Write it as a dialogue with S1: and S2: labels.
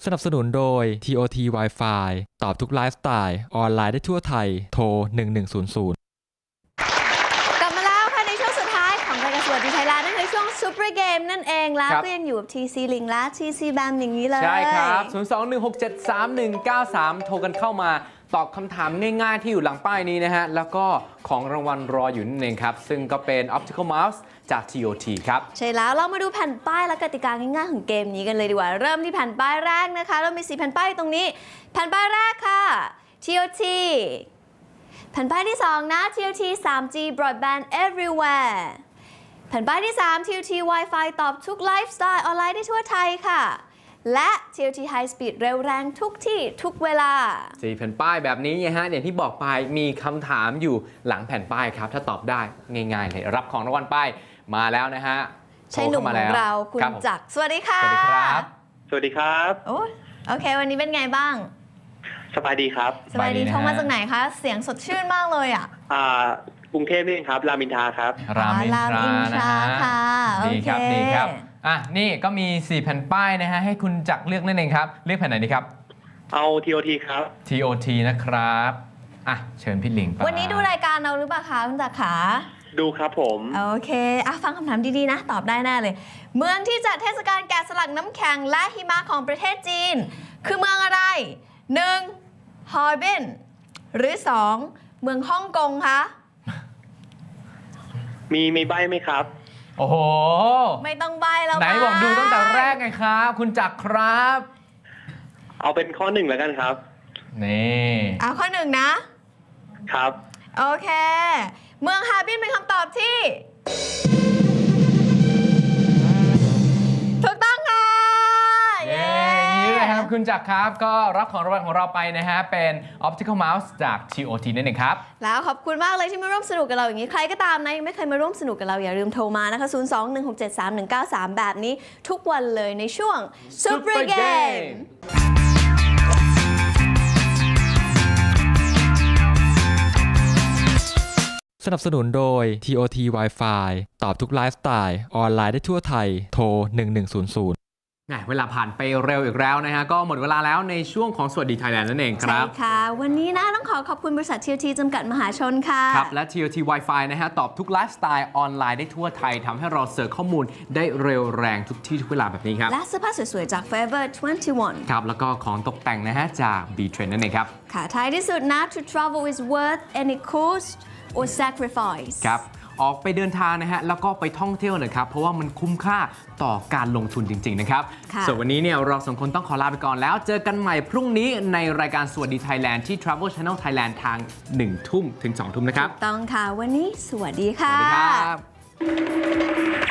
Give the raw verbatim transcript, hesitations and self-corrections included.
S1: สนับสนุนโดย ที โอ ที Wi-Fi ตอบทุกไลฟ์สไตล์ออนไลน์ได้ทั่วไทยโทรหนึ่งหนึ่งศูนย์ศูนย์
S2: กลับมาแล้วค่ะในช่วงสุดท้ายของรายการสวัสดีไทยแลนด์นั่นคือช่วงซูเปอร์เกมนั่นเองแล้วก็ยังอยู่กับ ที ซี Link และ ที ซี Bam อย่างนี้เลย
S3: ใช่ครับศูนย์ สอง หนึ่ง หก เจ็ด สาม หนึ่ง เก้า สามโทรกันเข้ามาตอบคำถามง่ายๆที่อยู่หลังป้ายนี้นะฮะแล้วก็ของรางวัลรออยู่นั่นเองครับซึ่งก็เป็น Optical Mouse จาก ที โอ ที ครับ
S2: ใช่แล้วเรามาดูแผ่นป้ายและกติกาง่ายๆของเกมนี้กันเลยดีกว่าเริ่มที่แผ่นป้ายแรกนะคะเรามีสี่แผ่นป้ายตรงนี้แผ่นป้ายแรกค่ะ ที โอ ที แผ่นป้ายที่สองนะ ที โอ ที ทรีจี Broadband Everywhere แผ่นป้ายที่สาม ที โอ ที Wi-Fi ตอบทุกไลฟ์สไตล์ออนไลน์ได้ทั่วไทยค่ะและ ที โอ ที High Speed เร็วแรงทุกที่ทุกเวลา
S3: สี่แผ่นป้ายแบบนี้นะฮะอย่างที่บอกไปมีคำถามอยู่หลังแผ่นป้ายครับถ้าตอบได้ง่ายๆเลยรับของรางวัลป้ายมาแล้วนะฮะ
S2: ใช่หนุ่มของเราคุณจักรสวัสดีค่ะ
S3: สวัสดีครับ
S4: สวัสดีครับ
S2: โอ้โอเควันนี้เป็นไงบ้าง
S4: สบายดีครับ
S2: สบายดีโทรมาจากไหนคะเสียงสดชื่นมากเลยอ่ะ
S4: อ่ากรุงเทพนี่ครับรามอินทราครับ
S3: รามอินทรานะฮะดีครับดีครับอ่ะนี่ก็มีสี่แผ่นป้ายนะฮะให้คุณจักรเลือกนั่นเองครับเลือกแผ่นไหนดีครับ
S4: เอา ที โอ ที ครับ
S3: ที โอ ที นะครับอ่ะเชิญพี่หลิงไป
S2: วันนี้ดูรายการเราหรือเปล่าคะคุณจักรขา
S4: ดูครับผม
S2: โอเคอ่ะฟังคำถามดีๆนะตอบได้แน่เลยเมืองที่จัดเทศกาลแกะสลักน้ำแข็งและหิมะของประเทศจีนคือเมืองอะไร หนึ่ง ฮาร์บินหรือ สอง เมืองฮ่องกงคะ
S4: มีมีใบไหมครับ
S3: โอ้โห
S2: ไม่ต้องใบแล้ว
S3: ไหนบอกดูตั้งแต่แรกไงครับคุณจักรครับ
S4: เอาเป็นข้อหนึ่งแล้วกันครับ
S3: นี่
S2: เอาข้อหนึ่งนะครับโอเคเมืองฮาร์บินเป็นคำตอบที่ถูกต้องค่ะ
S3: เย้นี่เลยครับคุณจักรครับก็รับของรางวัลของเราไปนะฮะเป็น Optical Mouse จาก ที โอ ที นั่นเองครับ
S2: แล้วขอบคุณมากเลยที่มาร่วมสนุกกับเราอย่างนี้ใครก็ตามนะยังไม่เคยมาร่วมสนุกกับเราอย่าลืมโทรมานะคะศูนย์ สอง หนึ่ง หก เจ็ด สาม หนึ่ง เก้า สามแบบนี้ทุกวันเลยในช่วง Super Game
S1: สนับสนุนโดย ที โอ ที Wi-Fi ตอบทุกไลฟ์สไตล์ออนไลน์ได้ทั่วไทยโทรหนึ่งหนึ่งศูนย์ศูนย์
S3: เวลาผ่านไปเร็วอีกแล้วนะฮะก็หมดเวลาแล้วในช่วงของสวัสดีไทยแลนด์นั่นเองครับ
S2: ใช่ค่ะวันนี้นะต้องขอขอบคุณบริษัท ที โอ ที จำกัดมหาชนค่ะ
S3: ครับและ ที โอ ที Wi-Fi นะฮะตอบทุกไลฟ์สไตล์ออนไลน์ได้ทั่วไทยทำให้เราเสิร์ชข้อมูลได้เร็วแรงทุกที่ทุกเวลาแบบนี้ครับ
S2: และเสื้อผ้าสวยๆจาก Forever ยี่สิบเอ็ด
S3: ครับแล้วก็ของตกแต่งนะฮะจาก B-Trend นั่นเองครับ
S2: ค่ะท้ายที่สุดนะ To travel is worth any cost or sacrifice
S3: ครับออกไปเดินทางนะฮะแล้วก็ไปท่องเที่ยวนะครับเพราะว่ามันคุ้มค่าต่อการลงทุนจริงๆนะครับส่วนวันนี้เนี่ยเราสองคนต้องขอลาไปก่อนแล้วเจอกันใหม่พรุ่งนี้ในรายการสวัสดีไทยแลนด์ที่ Travel Channel Thailand ทางหนึ่งทุ่มถึงสองทุ่มนะครับ
S2: ต้องค่ะวันนี้สวัสดีค่ะ
S3: สวัสดีครับ